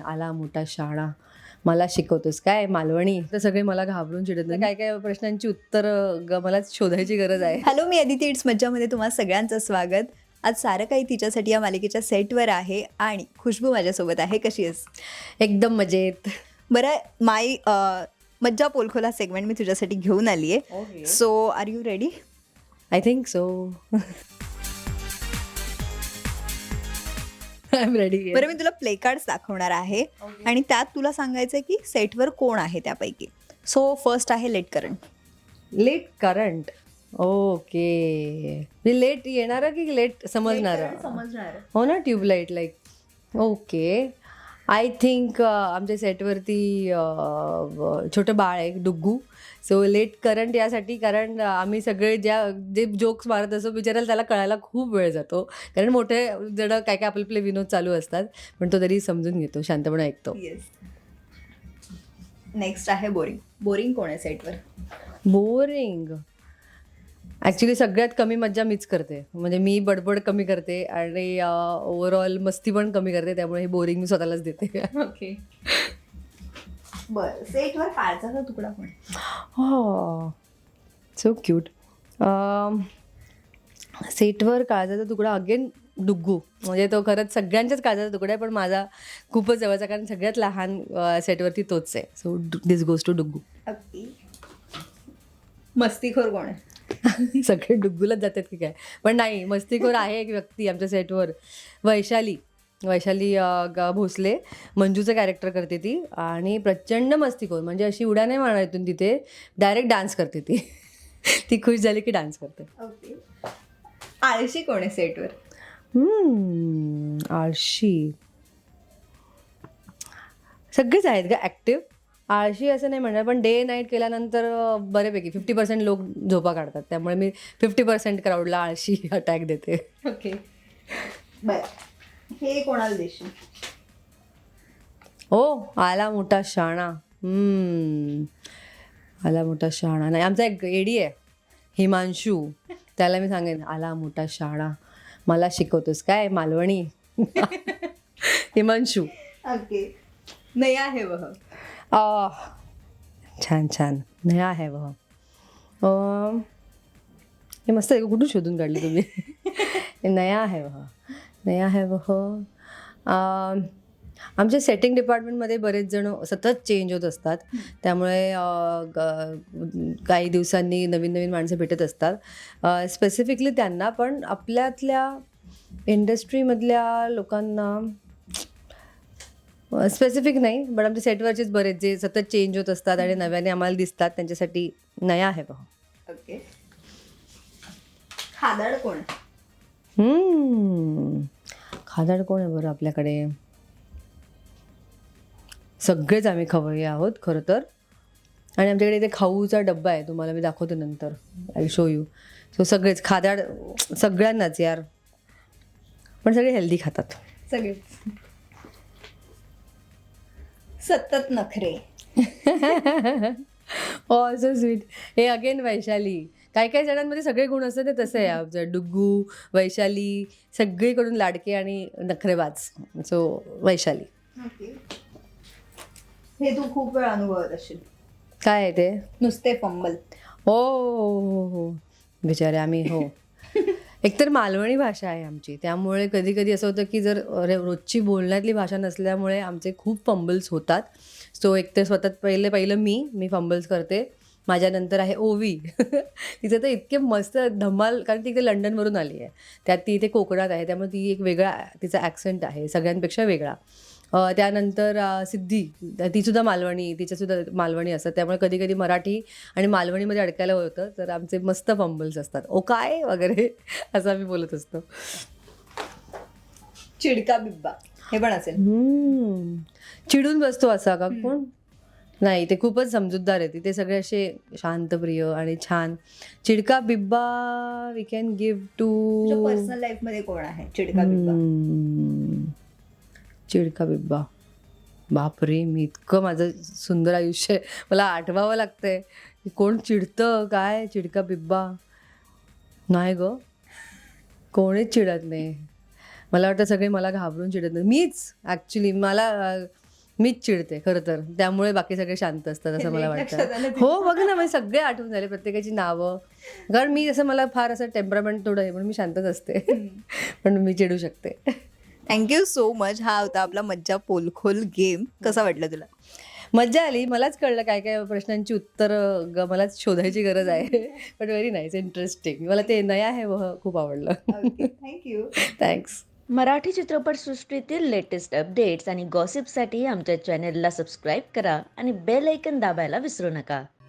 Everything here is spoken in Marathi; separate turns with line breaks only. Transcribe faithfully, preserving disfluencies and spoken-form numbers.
आला मोठा शाणा मला शिकवतोस काय मालवणी. तर सगळे मला घाबरून चिडत नाही. काय काय प्रश्नांची उत्तर मलाच शोधायची गरज आहे.
हॅलो, मी अदिती इट्स मज्जामध्ये तुम्हा सगळ्यांचं स्वागत. आज सारं काही तिच्यासाठी या मालिकेच्या सेटवर आहे आणि खुशबू माझ्यासोबत आहे. कशी आहेस?
एकदम मजेत.
बरं, माय मज्जा पोलखोला सेगमेंट मी तुझ्यासाठी घेऊन आली आहे. So are you ready?
I think so. I am ready.
बरं, मी तुला प्ले कार्ड्स दाखवणार आहे आणि त्यात तुला सांगायचं आहे की सेटवर कोण आहे त्यापैकी. सो फर्स्ट आहे late current.
Late current. Okay. मी लेट येणार की लेट समजणार?
समजणार.
हो ना, tubelight like. Okay. I think आमच्या सेटवरती छोटं बाळ आहे डुग्गू. सो लेट करंट यासाठी कारण आम्ही सगळे ज्या जे जोक्स मारत असो बिचारायला त्याला कळायला खूप वेळ जातो. कारण मोठे जण काय काय आपले आपले विनोद चालू असतात पण तो तरी समजून घेतो, शांतपणे ऐकतो.
येस. नेक्स्ट आहे बोरिंग. बोरिंग कोण आहे सेटवर?
बोरिंग ॲक्च्युली सगळ्यात कमी मज्जा मीच करते. म्हणजे मी बडबड कमी करते आणि ओव्हरऑल मस्ती पण कमी करते. त्यामुळे हे बोरिंग मी स्वतःलाच देते.
ओके. बरं, सेटवर काळजाचा तुकडा कोण?
हो, सो क्यूट. सेटवर काळजाचा तुकडा अगेन डुग्गू. म्हणजे तो खरंच सगळ्यांच्याच काळजाचा तुकडा आहे पण माझा खूपच जवळचा, कारण सगळ्यात लहान सेटवरती तोच आहे. So this goes to Duggu.
Okay. मस्तीखोर कोण आहे?
सगळे डुग्गूलाच जातात की काय, पण नाही, मस्तीखोर आहे एक व्यक्ती आमच्या सेटवर, वैशाली. वैशाली ग भोसले मंजूचं कॅरेक्टर करते ती आणि प्रचंड मस्तीखोर. म्हणजे अशी उड्या नाही मारणार इथून तिथे, डायरेक्ट डान्स करते ती. ती खुश झाली की डान्स करते.
ओके. आळशी कोण आहे सेटवर?
आळशी सगळेच आहेत का ॲक्टिव्ह. आळशी असं नाही म्हणणार, पण डे नाईट केल्यानंतर बऱ्यापैकी फिफ्टी पर्सेंट लोक झोपा काढतात. त्यामुळे मी फिफ्टी पर्सेंट क्राऊडला आळशी अटॅक देते.
ओके. बरं, हे कोणाला देशील?
हो, आला मोठा शाणा. आला मोठा शाणा नाही, आमचा एक एडी आहे हिमांशू, त्याला मी सांगेन आला मोठा शाणा मला शिकवतोस काय मालवणी. हिमांशू.
ओके. नया है वह.
आ, छान छान. नया है वह. अं, हे मस्त आहे. कुठून शोधून काढली तुम्ही? नया है वह. नया है वह. अं, आमच्या सेटिंग डिपार्टमेंटमध्ये बरेच जण सतत चेंज होत असतात. त्यामुळे अं, ग- काही दिवसांनी नवीन नवीन माणसं भेटत असतात. स्पेसिफिकली त्यांना, पण आपल्यातल्या इंडस्ट्रीमधल्या लोकांना स्पेसिफिक नाही, पण आमच्या सेटवरचेच बरेच जे सतत चेंज होत असतात आणि नव्याने आम्हाला दिसतात, त्यांच्यासाठी नया आहे बघा.
ओके. खादाड कोण आहे?
हम्म, खादाड कोण आहे बरं आपल्याकडे? सगळेच आम्ही खवय्ये आहोत खरं तर. आणि आमच्याकडे इथे खाऊचा डब्बा आहे, तुम्हाला मी दाखवते नंतर, आय शो यू. सो सगळेच खादाड, सगळ्यांनाच यार, पण सगळे हेल्दी खातात.
सगळेच. सतत नखरे.
Oh so sweet. Hey again Vaishali. काही काही जणांमध्ये सगळे गुण असतात, ते तसं आहे आमचं. डुग्गू, वैशाली सगळीकडून लाडके आणि नखरेबाज. सो वैशाली.
ओके. हे तू खूप वेळ अनुभवत असशील.
काय आहे ते?
नुसते फंबल.
हो हो हो, बिचारे आम्ही. हो, एकतर मालवणी भाषा आहे आमची, त्यामुळे कधी कधी असं होतं की जर रे- रोजची बोलण्यातली भाषा नसल्यामुळे आमचे खूप फंबल्स होतात. सो एकतर स्वतः पहिले पहिलं मी मी फंबल्स करते. माझ्यानंतर आहे ओवी. तिचं तर इतके मस्त धमाल, कारण ती इथे लंडनवरून आली आहे, त्यात ती इथे कोकणात आहे, त्यामुळे ती एक वेगळा तिचा ॲक्सेंट आहे, सगळ्यांपेक्षा वेगळा. अ, त्यानंतर अ, सिद्धी, तीसुद्धा मालवणी, तिच्यासुद्धा मालवणी असतात. त्यामुळे कधी कधी मराठी आणि मालवणीमध्ये अडकायला होतं, तर आमचे मस्त फंबल्स असतात. ओ काय वगैरे असं आम्ही बोलत असतो.
चिडका बिब्बा हे पण असेल.
हम्म, चिडून बसतो असा का कोण? नाही, ते खूपच समजूतदार आहे. ते सगळे असे शांतप्रिय आणि छान. चिडका बिब्बा we can give to
personal life मध्ये कोण आहे चिडका बिब्बा?
चिडका बिब्बा. बापरे, मी इतकं माझं सुंदर आयुष्य आहे, मला आठवावं लागतंय की कोण चिडतं काय. चिडका बिब्बा नाही ग, कोणीच चिडत नाही. मला वाटतं सगळे मला घाबरून चिडत नाही. मीच ॲक्च्युली, मला मीच चिडते खरं तर, त्यामुळे बाकी सगळे शांत असतात असं मला
लक्षात आलं
वाटतं.
तुझ्या.
हो बघ ना, म्हणजे सगळे आठवून झाले, प्रत्येकाची नावं. कारण मी असं, मला फार असं टेम्परामेंट थोडं आहे, पण मी शांतच असते. पण मी चिडू शकते.
Thank you so much. हा होता आपला मज्जा पोलखोल गेम. कसा वाटला तुला?
मज्जा आली. मलाच कळलं काय काय प्रश्नांची उत्तरं ग मलाच शोधायची गरज आहे. But very nice, interesting. मला ते नया है वह खूप आवडलं.
थँक्यू.
थँक्स.
मराठी चित्रपटसृष्टीतील लेटेस्ट अपडेट्स आणि गॉसिपसाठी आमच्या चॅनेलला सबस्क्राईब करा आणि बेल ऐकन दाबायला विसरू नका.